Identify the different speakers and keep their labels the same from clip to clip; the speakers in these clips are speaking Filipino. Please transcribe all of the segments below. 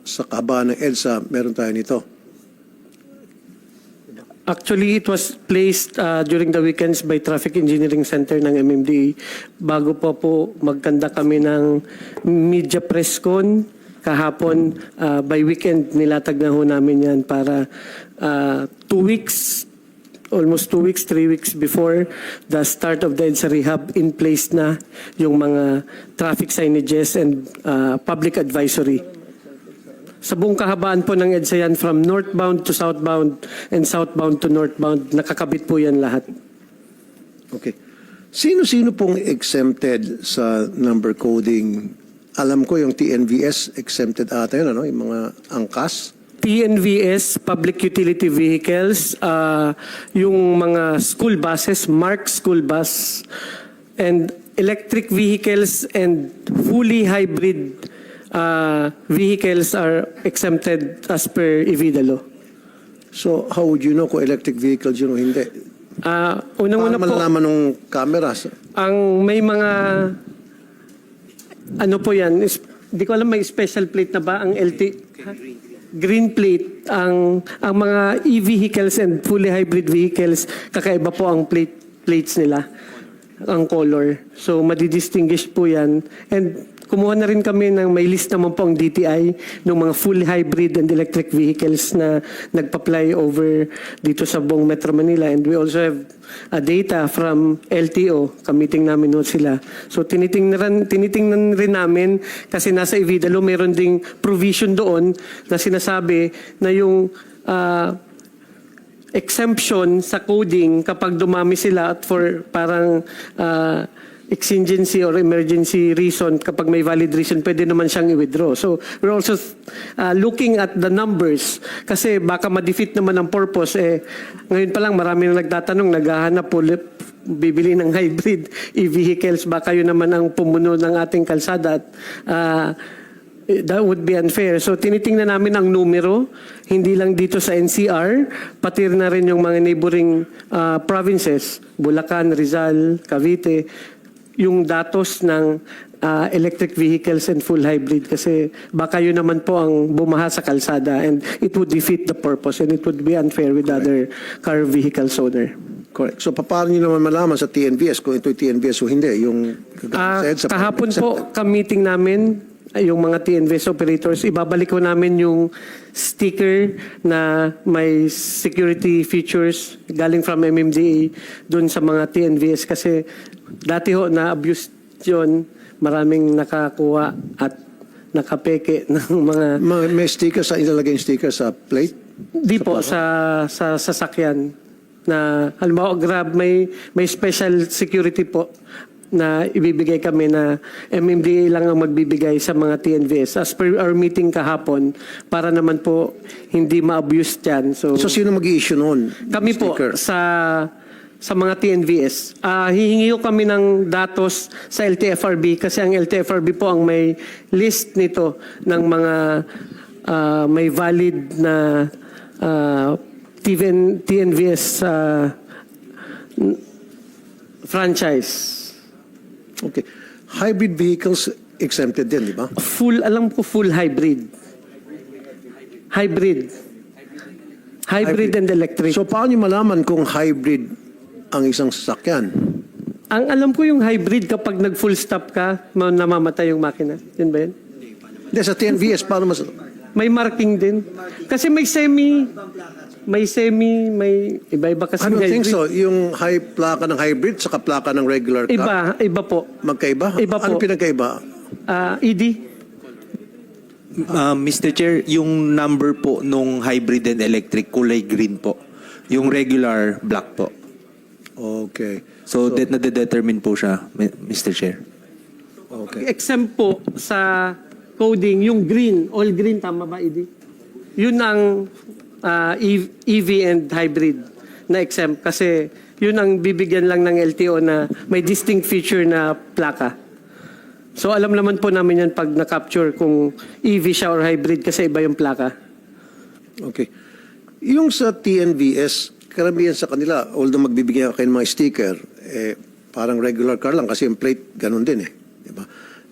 Speaker 1: sa kahabaan ng EDSA, meron tayo nito.
Speaker 2: Actually, it was placed during the weekends by Traffic Engineering Center ng MMDA bago po magkanda kami ng media press con kahapon. By weekend, nilatag na ho namin yan para 2 weeks, almost 2 weeks, 3 weeks before the start of the EDSA rehab, in place na yung mga traffic signages and public advisory. Sa buong kahabaan po ng EDSA yan, from northbound to southbound and southbound to northbound, nakakabit po yan lahat.
Speaker 1: Okay. Sino-sino pong exempted sa number coding? Alam ko yung TNVS exempted ata yun, ano? Yung mga angkas?
Speaker 2: TNVS, public utility vehicles, yung mga school buses, marked school bus, and electric vehicles and fully hybrid vehicles are exempted as per EVIDA law.
Speaker 1: So, how would you know kung electric vehicles yun o hindi?
Speaker 2: Unang-una po,
Speaker 1: malalaman ng cameras?
Speaker 2: ang may mga, ano po yan, di ko alam may special plate na ba ang green plate, ang mga e-vehicles and fully hybrid vehicles, kakaiba po ang plates nila, ang color. So, madidistinguish po yan. And kumuha na rin kami ng may list naman po ang DTI ng mga full hybrid and electric vehicles na nagpa-fly over dito sa buong Metro Manila. And we also have data from LTO. Kamiting namin ho sila. So tinitingnan rin namin kasi nasa EVIDA law meron ding provision doon na sinasabi na yung exemption sa coding kapag dumami sila at for parang exigency or emergency reason, kapag may valid reason, pwede naman siyang i-withdraw. So, we're also looking at the numbers kasi baka ma-defeat naman ang purpose. Ngayon pa lang, marami na nagtatanong, naghahanap po, bibili ng hybrid e-vehicles, baka yun naman ang pumuno ng ating kalsada at that would be unfair. So, tinitingnan namin ang numero, hindi lang dito sa NCR, pati na rin yung mga neighboring provinces, Bulacan, Rizal, Cavite, yung datos ng electric vehicles and full hybrid kasi baka yun naman po ang bumaha sa kalsada and it would defeat the purpose and it would be unfair with other car vehicles owner.
Speaker 1: Correct. So, paano nyo naman malaman sa TNVS kung ito'y TNVS o hindi? Yung
Speaker 2: kahapon po, ka-meeting namin, yung mga TNVS operators, ibabalik ko namin yung sticker na may security features galing from MMDA dun sa mga TNVS kasi dati ho na-abuse yun, maraming nakakuha at nakapeke ng mga...
Speaker 1: May sticker sa ilalagay yung sticker sa plate?
Speaker 2: Di po, sa sasakyan na halimbawa Grab may special security po na ibibigay kami na MMDA lang ang magbibigay sa mga TNVS as per our meeting kahapon para naman po hindi ma-abuse yan. So
Speaker 1: sino mag-i-issue noon?
Speaker 2: Kami sticker? Po sa mga TNVS. Hihingi ko kami ng datos sa LTFRB kasi ang LTFRB po ang may list nito ng mga may valid na TNVS franchise.
Speaker 1: Okay. Hybrid vehicles exempted din, di ba?
Speaker 2: Alam ko full hybrid. Hybrid and electric.
Speaker 1: So paano nyo malaman kung hybrid ang isang sasakyan?
Speaker 2: Ang alam ko yung hybrid kapag nag-full stop ka, namamatay yung makina. Yun ba yun?
Speaker 1: Hindi, sa TNVS, paano mas...
Speaker 2: May marking din. Kasi may iba-iba kasi
Speaker 1: I don't
Speaker 2: hybrid.
Speaker 1: think so. Yung plaka ng hybrid saka plaka ng regular car.
Speaker 2: Iba po.
Speaker 1: Magkaiba?
Speaker 2: Iba po.
Speaker 1: Ano pinagkaiba?
Speaker 2: ED.
Speaker 3: Mr. Chair, yung number po nung hybrid and electric kulay green po. Yung regular black po.
Speaker 1: Okay.
Speaker 3: So that na-determine po siya, Mr. Chair.
Speaker 1: Okay.
Speaker 2: Exempt po sa coding, yung green, all green, tama ba, ED? Yun ang EV and hybrid na exempt kasi yun ang bibigyan lang ng LTO na may distinct feature na plaka. So alam naman po namin yan pag na-capture kung EV siya or hybrid kasi iba yung plaka.
Speaker 1: Okay. Yung sa TNVS, karamihan sa kanila, although magbibigyan kayo ng mga sticker, parang regular car lang kasi yung plate ganun din eh. Diba?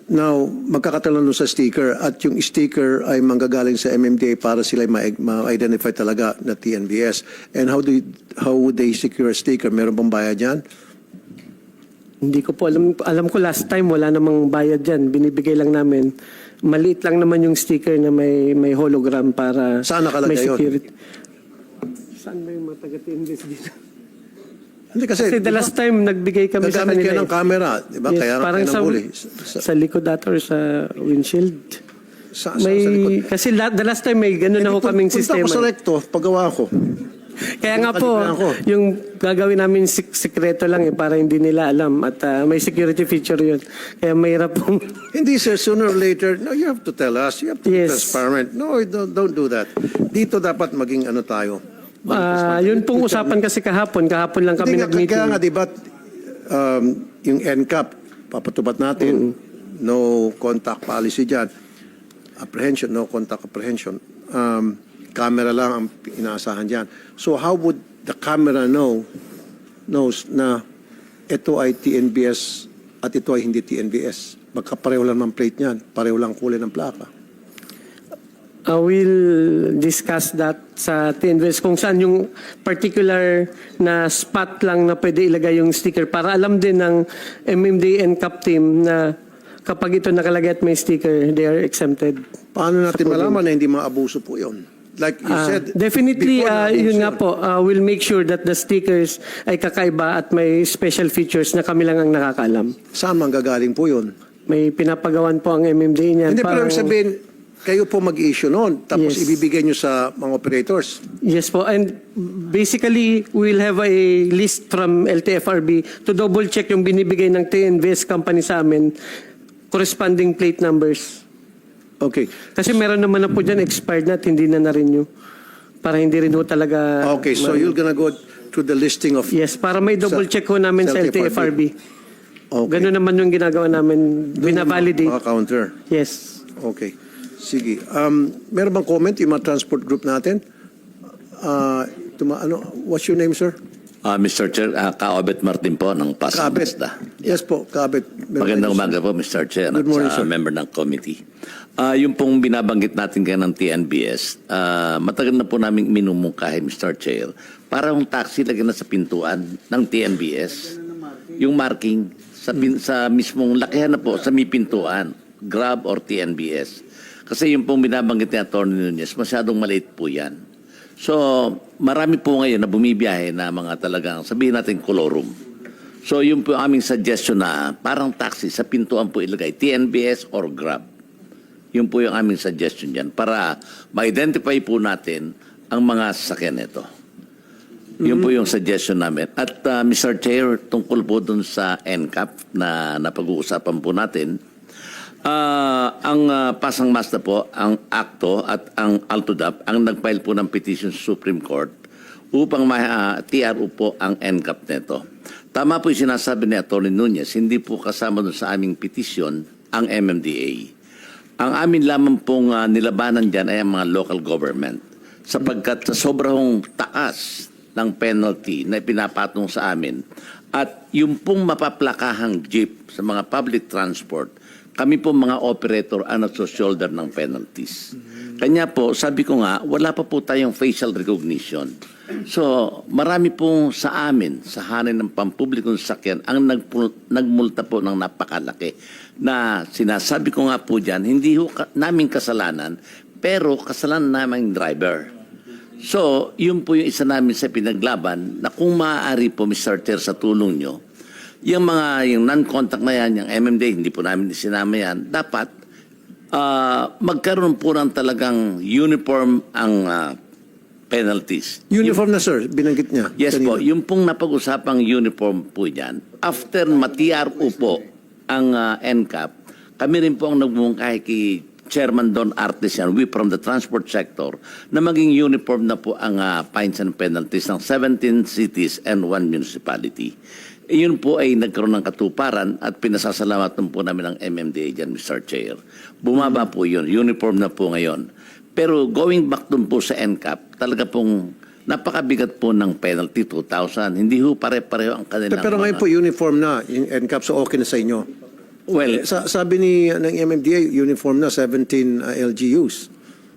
Speaker 1: Now, magkakatalon sa sticker at yung sticker ay manggagaling sa MMDA para sila ma-identify talaga na TNVS. And how would they secure a sticker? Meron bang bayad yan?
Speaker 2: Hindi ko po alam. Alam ko last time wala namang bayad dyan. Binibigay lang namin. Maliit lang naman yung sticker na may hologram para
Speaker 1: Saan nakalagay
Speaker 2: may
Speaker 1: yun?
Speaker 2: security. Saan ba yung mga taga-TNVS dito?
Speaker 1: Hindi kasi,
Speaker 2: Kasi the last time nagbigay kami sa
Speaker 1: nagamit
Speaker 2: kanila.
Speaker 1: kayo ng camera, di ba?
Speaker 2: Yes,
Speaker 1: Kaya
Speaker 2: parang
Speaker 1: kayo
Speaker 2: sa,
Speaker 1: nabuli.
Speaker 2: sa likod ata or sa windshield.
Speaker 1: Sa
Speaker 2: May,
Speaker 1: likod.
Speaker 2: kasi the last time may gano'n ako kaming
Speaker 1: Punta
Speaker 2: sistema.
Speaker 1: ko sa recto, paggawa ko.
Speaker 2: Kaya nga po,
Speaker 1: Kalibraan ko.
Speaker 2: yung gagawin namin sikreto lang para hindi nila alam at may security feature yun. Kaya mahirap po.
Speaker 1: Hindi sir, sooner or later, no, you have to tell us. You have to be
Speaker 2: Yes.
Speaker 1: transparent. No, don't do that. Dito dapat maging ano tayo.
Speaker 2: Yun pong usapan kasi kahapon lang kami
Speaker 1: Hindi nga,
Speaker 2: nag-meeting.
Speaker 1: kaya nga, di ba, yung NCAP, papatupad natin, no contact policy dyan. Apprehension, no contact apprehension. Camera lang ang inaasahan dyan. So how would the camera knows na ito ay TNBS at ito ay hindi TNBS? Magkapareho lang ng plate niyan, pareho lang kulay ng plaka.
Speaker 2: We'll discuss that sa TNVS kung saan yung particular na spot lang na pwede ilagay yung sticker para alam din ng MMDA and CAP team na kapag ito nakalagay at may sticker, they are exempted.
Speaker 1: Paano natin malaman na hindi maabuso po yun? Like you said,
Speaker 2: Definitely,
Speaker 1: before
Speaker 2: yun nga
Speaker 1: na-abuso
Speaker 2: po, we'll make sure that the stickers ay kakaiba at may special features na kami lang ang nakakaalam.
Speaker 1: Saan manggagaling po yun?
Speaker 2: May pinapagawan po ang MMDA niyan.
Speaker 1: Hindi, pero ibig sabihin, kayo po mag-issue noon, tapos
Speaker 2: Yes.
Speaker 1: ibibigay nyo sa mga operators.
Speaker 2: Yes po, and basically, we'll have a list from LTFRB to double check yung binibigay ng TNVS company sa amin, corresponding plate numbers.
Speaker 1: Okay.
Speaker 2: Kasi meron naman na po dyan expired na at hindi na na-renew. Para hindi rin po talaga...
Speaker 1: Okay, so you're gonna go through the listing of...
Speaker 2: Yes, para may double check ho namin sa LTFRB.
Speaker 1: Okay.
Speaker 2: Ganun naman yung ginagawa namin, binavalidate.
Speaker 1: Mga counter.
Speaker 2: Yes.
Speaker 1: Okay. Sige. Meron bang comment yung mga transport group natin? What's your name, sir?
Speaker 4: Mr. Chair, Kaobet Martin po ng Pasig
Speaker 1: Kabet.
Speaker 4: Basta.
Speaker 1: Yes po, Kabet.
Speaker 4: Magandang umaga po, Mr. Chair,
Speaker 1: Good morning,
Speaker 4: at
Speaker 1: sir.
Speaker 4: sa member ng committee. Yung pong binabanggit natin kayo ng TNBS, matagal na po namin minumungkahi, Mr. Chair, para yung taxi lagyan na sa pintuan ng TNBS, yung marking sa mismong lakihan na po, sa may pintuan, Grab or TNBS. Kasi yung pong binabanggit ni Atty. Nunez, masyadong maliit po yan. So, marami po ngayon na bumibiyahe na mga talagang, sabihin natin, kolorum. So, yung po aming suggestion na parang taxi sa pintuan po ilagay, TNBS or Grab. Yun po yung aming suggestion dyan para ma-identify po natin ang mga sasakyan nito. Yun po yung suggestion namin. At Mr. Chair, tungkol po dun sa NCAP na napag-uusapan po natin, ang Pasang Mazda po, ang ACTO at ang ALTODAP ang nag-file po ng petition sa Supreme Court upang TRO po ang NCAP nito. Tama po yung sinasabi ni Atty. Nunez, hindi po kasama dun sa aming petition ang MMDA. Ang amin lamang pong nilabanan dyan ay ang mga local government sapagkat sa sobrang taas ng penalty na pinapatong sa amin at yung pong mapaplakahang jeep sa mga public transport, kami po mga operator ang nagso-shoulder ng penalties. Kanya po, sabi ko nga, wala pa po tayong facial recognition. So, marami pong sa amin, sa hanay ng pampublikong sasakyan, ang nagmulta po ng napakalaki. Na sinasabi ko nga po dyan, hindi ho namin kasalanan, pero kasalanan namin driver. So, yun po yung isa namin sa pinaglaban na kung maaari po, Mr. Chair, sa tulong nyo, yung non-contact na yan, yung MMDA, hindi po namin isinama yan, dapat magkaroon po ng talagang uniform ang penalties.
Speaker 1: Uniform na, sir. Binanggit niya.
Speaker 4: Yes
Speaker 1: kanina.
Speaker 4: po, yung pong napag-usapang uniform po yan, after ma-TRO po ang NCAP, kami rin po ang nagmungkahi kay Chairman Don Artesian, we from the transport sector, na maging uniform na po ang fines and penalties ng 17 cities and 1 municipality. Iyon po ay nagkaroon ng katuparan at pinasasalamatan po namin ang MMDA dyan, Mr. Chair. Bumaba po yun, uniform na po ngayon. Pero going back dun po sa NCAP, talaga pong napakabigat po ng penalty, 2,000. Hindi ho pare-pareho ang kanilang
Speaker 1: Pero ngayon po, uniform na yung NCAP, so okay na sa inyo.
Speaker 4: Well,
Speaker 1: Sabi ng MMDA, uniform na 17 LGUs.